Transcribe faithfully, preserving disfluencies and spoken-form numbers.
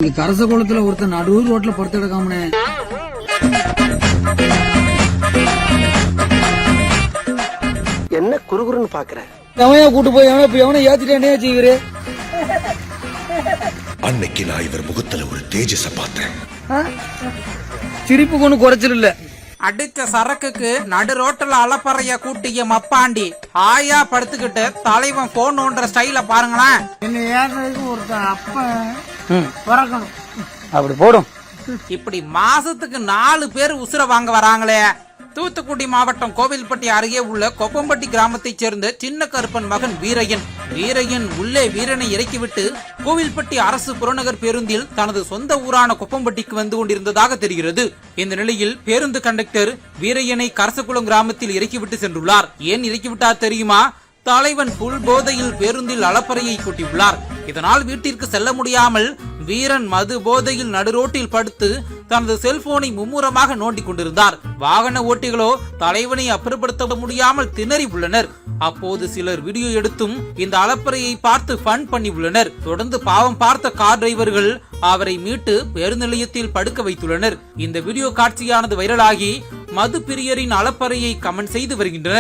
இங்க கரச குளத்துல ஒருத்தர் நடுவு ரோட்ல படுத்து கிடக்காமனே. என்ன குறுகுறுன்னு பாக்குற? எவனையா கூட்டு போய் எவனை இப்ப எவனை ஏத்திட்டே செய்வரு. அன்னைக்கு நான் இவர் முகத்துல ஒரு தேஜஸ பார்த்தேன். சிரிப்பு கொண்டு குறைச்சல் இல்ல. அடிச்ச சரக்குக்கு நடு ரோட்டுல அலப்பறைய கூட்டிய மப்பாண்டி ஆயா படுத்துக்கிட்டு தலைவன் போன் ஒன்ற ஸ்டைல பாருங்களேன். என்ன ஏறதுக்கு ஒருத்தன் அப்ப பிறக்கணும். அப்படி போடும். இப்படி மாசத்துக்கு நாலு பேர் உசுர வாங்க வராங்களே. தூத்துக்குடி மாவட்டம் கோவில்பட்டி அருகே உள்ள கொப்பம்பட்டி கிராமத்தைச் சேர்ந்த சின்ன கருப்பன் மகன் வீரையன். வீரையன் உள்ளே வீரனை இறக்கிவிட்டு கோவில்பட்டி அரசு புறநகர் பேருந்தில் தனது சொந்த ஊரான கொப்பம்பட்டிக்கு வந்து கொண்டிருந்ததாக தெரிகிறது. இந்த நிலையில் பேருந்து கண்டக்டர் வீரையனை கரசகுளம் கிராமத்தில் இறக்கிவிட்டு சென்றுள்ளார். ஏன் இறக்கிவிட்டார் தெரியுமா? தலைவன் புல் போதையில் பேருந்தில் அலப்பறையை கூட்டியுள்ளார். இதனால் வீட்டிற்கு செல்ல முடியாமல் வீரன் மது போதையில் நடுரோட்டில் படுத்து தனது செல்போனை மும்முரமாக நோண்டிக் கொண்டிருந்தார். வாகன ஓட்டிகளோ தலைவனை அப்புறப்படுத்த முடியாமல் திணறி உள்ளனர். அப்போது சிலர் வீடியோ எடுத்தும் இந்த அலப்பறையை பார்த்து ஃபன் பண்ணி உள்ளனர். தொடர்ந்து பாவம் பார்த்த கார் டிரைவர்கள் அவரை மீட்டு பேருந்து நிலையத்தில் படுக்க வைத்துள்ளனர். இந்த வீடியோ காட்சியானது வைரலாகி மது பிரியரின் அலப்பறையை கமெண்ட் செய்து வருகின்றனர்.